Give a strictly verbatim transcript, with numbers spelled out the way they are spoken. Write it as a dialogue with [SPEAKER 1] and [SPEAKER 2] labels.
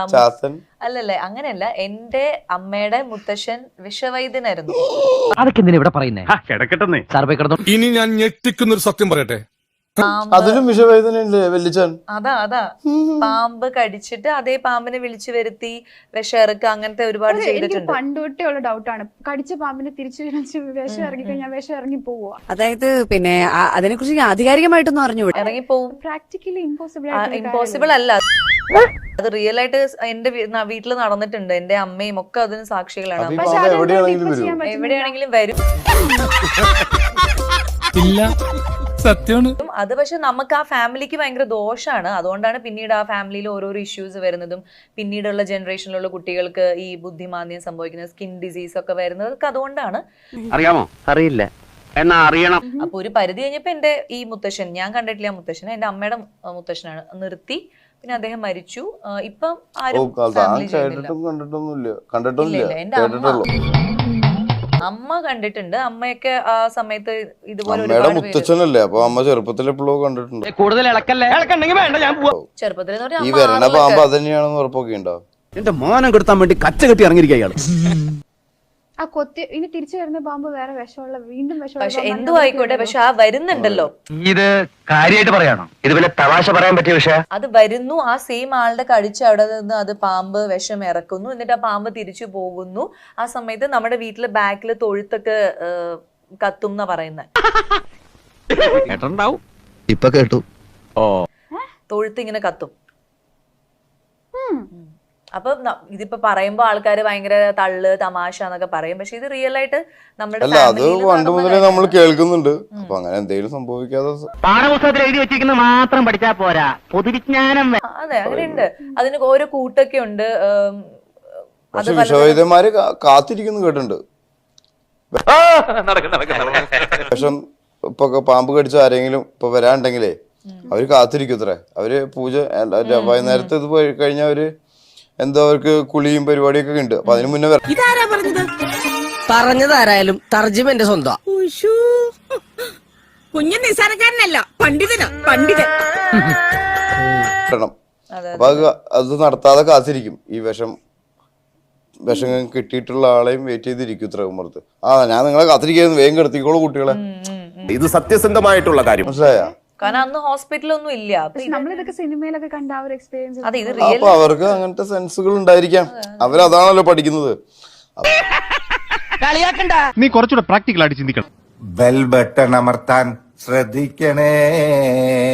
[SPEAKER 1] അല്ലല്ലേ, അങ്ങനെയല്ല. എന്റെ അമ്മയുടെ മുത്തശ്ശൻ വിഷവൈദ്യനായിരുന്നു.
[SPEAKER 2] അതൊക്കെ എന്തിനാ ഇവിടെ പറയുന്നേ?
[SPEAKER 3] ഇനി ഞാൻ ഞെട്ടിക്കുന്നൊരു സത്യം പറയട്ടെ,
[SPEAKER 4] അതിലും വിഷവേദനയുണ്ട് വല്യച്ഛൻ.
[SPEAKER 1] അതാ അതാ പാമ്പ് കടിച്ചിട്ട് അതേ പാമ്പിനെ വിളിച്ചു വരുത്തി വിഷമിറക്കുക, അങ്ങനത്തെ ഒരുപാട് ചെയ്തിട്ടുണ്ട്.
[SPEAKER 5] പണ്ടൊട്ടേ ഉള്ള ഡൗട്ടാണ്, കടിച്ച പാമ്പിനെ തിരിച്ചു വിഷം ഇറങ്ങി കഴിഞ്ഞാൽ വിഷം ഇറങ്ങി പോവുക.
[SPEAKER 6] അതായത് പിന്നെ അതിനെ കുറിച്ച് ആധികാരികമായിട്ടൊന്നും അറിഞ്ഞു
[SPEAKER 1] ഇറങ്ങി പോവും.
[SPEAKER 5] പ്രാക്ടിക്കലി ഇമ്പോസിബിൾ
[SPEAKER 1] ഇമ്പോസിബിൾ അല്ല, അത് റിയൽ ആയിട്ട് എന്റെ വീട്ടിൽ നടന്നിട്ടുണ്ട്. എന്റെ അമ്മയും ഒക്കെ അതിന് സാക്ഷികളാണ്. എവിടെയാണെങ്കിലും വരും.
[SPEAKER 3] സത്യമാണ്
[SPEAKER 1] അത്. പക്ഷെ നമുക്ക് ആ ഫാമിലിക്ക് ഭയങ്കര ദോഷമാണ്. അതുകൊണ്ടാണ് പിന്നീട് ആ ഫാമിലിയിൽ ഓരോരോ ഇഷ്യൂസ് വരുന്നതും പിന്നീടുള്ള ജനറേഷനിലുള്ള കുട്ടികൾക്ക് ഈ ബുദ്ധിമാന്ദ്യം സംഭവിക്കുന്നത്, സ്കിൻ ഡിസീസ് ഒക്കെ വരുന്നതൊക്കെ അതുകൊണ്ടാണ്.
[SPEAKER 2] അറിയാമോ? അറിയില്ല, എന്നാ അറിയണം.
[SPEAKER 1] അപ്പൊ ഒരു പരിധി കഴിഞ്ഞപ്പോ എന്റെ ഈ മുത്തശ്ശൻ, ഞാൻ കണ്ടിട്ടില്ല മുത്തശ്ശനെ, എന്റെ അമ്മയുടെ മുത്തശ്ശനാണ്, നിർത്തി. പിന്നെ അദ്ദേഹം മരിച്ചു. ഇപ്പം ആരും എന്റെ അമ്മ അമ്മ കണ്ടിട്ടുണ്ട്. അമ്മയൊക്കെ ആ സമയത്ത് ഇതുപോലെ
[SPEAKER 4] മുത്തച്ഛനല്ലേ, അപ്പൊ അമ്മ ചെറുപ്പത്തിൽ എപ്പോഴോ കണ്ടിട്ടുണ്ട്.
[SPEAKER 2] കൂടുതൽ ഇളക്കല്ലേ, ഇളക്കണ്ടെങ്കിൽ വേണ്ട, ഞാൻ പോവാ.
[SPEAKER 1] ചെറുപ്പത്തിൽ
[SPEAKER 4] ഈ വരണ പാമ്പ് അതന്നെയാണെന്ന് ഉറപ്പൊക്കെ ഉണ്ടാവും.
[SPEAKER 2] എന്റെ മോനം കെടുത്താൻ വേണ്ടി കച്ച കെട്ടി ഇറങ്ങിയിരിക്കുക അയാൾ.
[SPEAKER 5] ആ കൊത്തി ഇനി തിരിച്ചു വരുന്ന പാമ്പ് വേറെ വിഷമുള്ള, വീണ്ടും വിഷമുള്ള.
[SPEAKER 1] പക്ഷെ എന്തോ ആയിക്കോട്ടെ, പക്ഷെ ആ വരുന്നുണ്ടല്ലോ.
[SPEAKER 2] ഇത് കാര്യമായിട്ട് പറയാണോ? ഇത് പിന്നെ തമാശ പറയാൻ പറ്റിയ വിഷയം.
[SPEAKER 1] അത് വരുന്നു, ആ സെയിം ആളുടെ കടിച്ച് അവിടെ നിന്ന് അത് പാമ്പ് വിഷം ഇറക്കുന്നു, എന്നിട്ട് ആ പാമ്പ് തിരിച്ചു പോകുന്നു. ആ സമയത്ത് നമ്മുടെ വീട്ടില് ബാക്കില് തൊഴുത്തൊക്കെ കത്തും എന്നാ പറയുന്നത്.
[SPEAKER 2] കേട്ടിട്ടുണ്ടാവും. ഇപ്പൊ കേട്ടു. ഓ,
[SPEAKER 1] തൊഴുത്ത് ഇങ്ങനെ കത്തും. അപ്പൊ ഇതിപ്പോ പറയുമ്പോ ആൾക്കാര് ഭയങ്കര തള്ള് തമാശ എന്നൊക്കെ പറയും, പക്ഷെ ഇത് റിയൽ ആയിട്ട് നമ്മുടെ
[SPEAKER 4] പണ്ട് മുതലേ നമ്മൾ കേൾക്കുന്നുണ്ട്. അപ്പൊ അങ്ങനെ എന്തെങ്കിലും സംഭവിക്കാതെ
[SPEAKER 2] പാഠപുസ്തകത്തിൽ എഴുതി വെച്ചിരിക്കുന്നത് മാത്രം പഠിച്ചാ പോരാ, പൊതുവിജ്ഞാനം.
[SPEAKER 1] അതെ, അങ്ങനെയുണ്ട്. അതിന് ഓരോ കൂട്ടൊക്കെ ഉണ്ട്.
[SPEAKER 4] പക്ഷെ വിഷവൈദ്യന്മാര് കാത്തിരിക്കുന്നു കേട്ടിട്ടുണ്ട്. വിഷം ഇപ്പൊ പാമ്പ് കടിച്ച ആരെങ്കിലും ഇപ്പൊ വരാണ്ടെങ്കിലേ അവര് കാത്തിരിക്കും ഇത്രേ. അവര് പൂജ വൈകുന്നേരത്തെ ഇത് കഴിഞ്ഞ അവര് എന്തോ അവർക്ക് കുളിയും പരിപാടിയൊക്കെ ഉണ്ട്. അപ്പൊ അതിന് മുന്നേ
[SPEAKER 6] പറഞ്ഞതാരായാലും തർജ്ജിമ എന്റെ സ്വന്തം.
[SPEAKER 7] കുഞ്ഞു നിസാരക്കാരനല്ല, പണ്ഡിതനാ, പണ്ഡിതൻ.
[SPEAKER 4] അപ്പൊ അത് നടത്താതെ കാത്തിരിക്കും. ഈ വിഷം വിഷം കിട്ടിയിട്ടുള്ള ആളെയും വെയിറ്റ് ചെയ്തിരിക്കും ഇത്ര ഉമ്മർത്ത്. ആ ഞാൻ നിങ്ങളെ കാത്തിരിക്കുന്നു, വേഗം കിടത്തിക്കോളൂ കുട്ടികളെ.
[SPEAKER 3] ഇത് സത്യസന്ധമായിട്ടുള്ള കാര്യം,
[SPEAKER 4] മനസ്സിലായോ?
[SPEAKER 1] കാരണം അന്ന് ഹോസ്പിറ്റലൊന്നും ഇല്ല.
[SPEAKER 5] നമ്മളിതൊക്കെ സിനിമയിലൊക്കെ കണ്ട ആ ഒരു എക്സ്പീരിയൻസ്.
[SPEAKER 4] അപ്പൊ അവർക്ക് അങ്ങനത്തെ സെൻസുകൾ ഉണ്ടായിരിക്കാം. അവരതാണല്ലോ പഠിക്കുന്നത്.
[SPEAKER 8] നീ കുറച്ചുകൂടെ പ്രാക്ടിക്കൽ ആയിട്ട് ചിന്തിക്കണം.
[SPEAKER 9] ബെൽ ബട്ടൺ അമർത്താൻ ശ്രദ്ധിക്കണേ.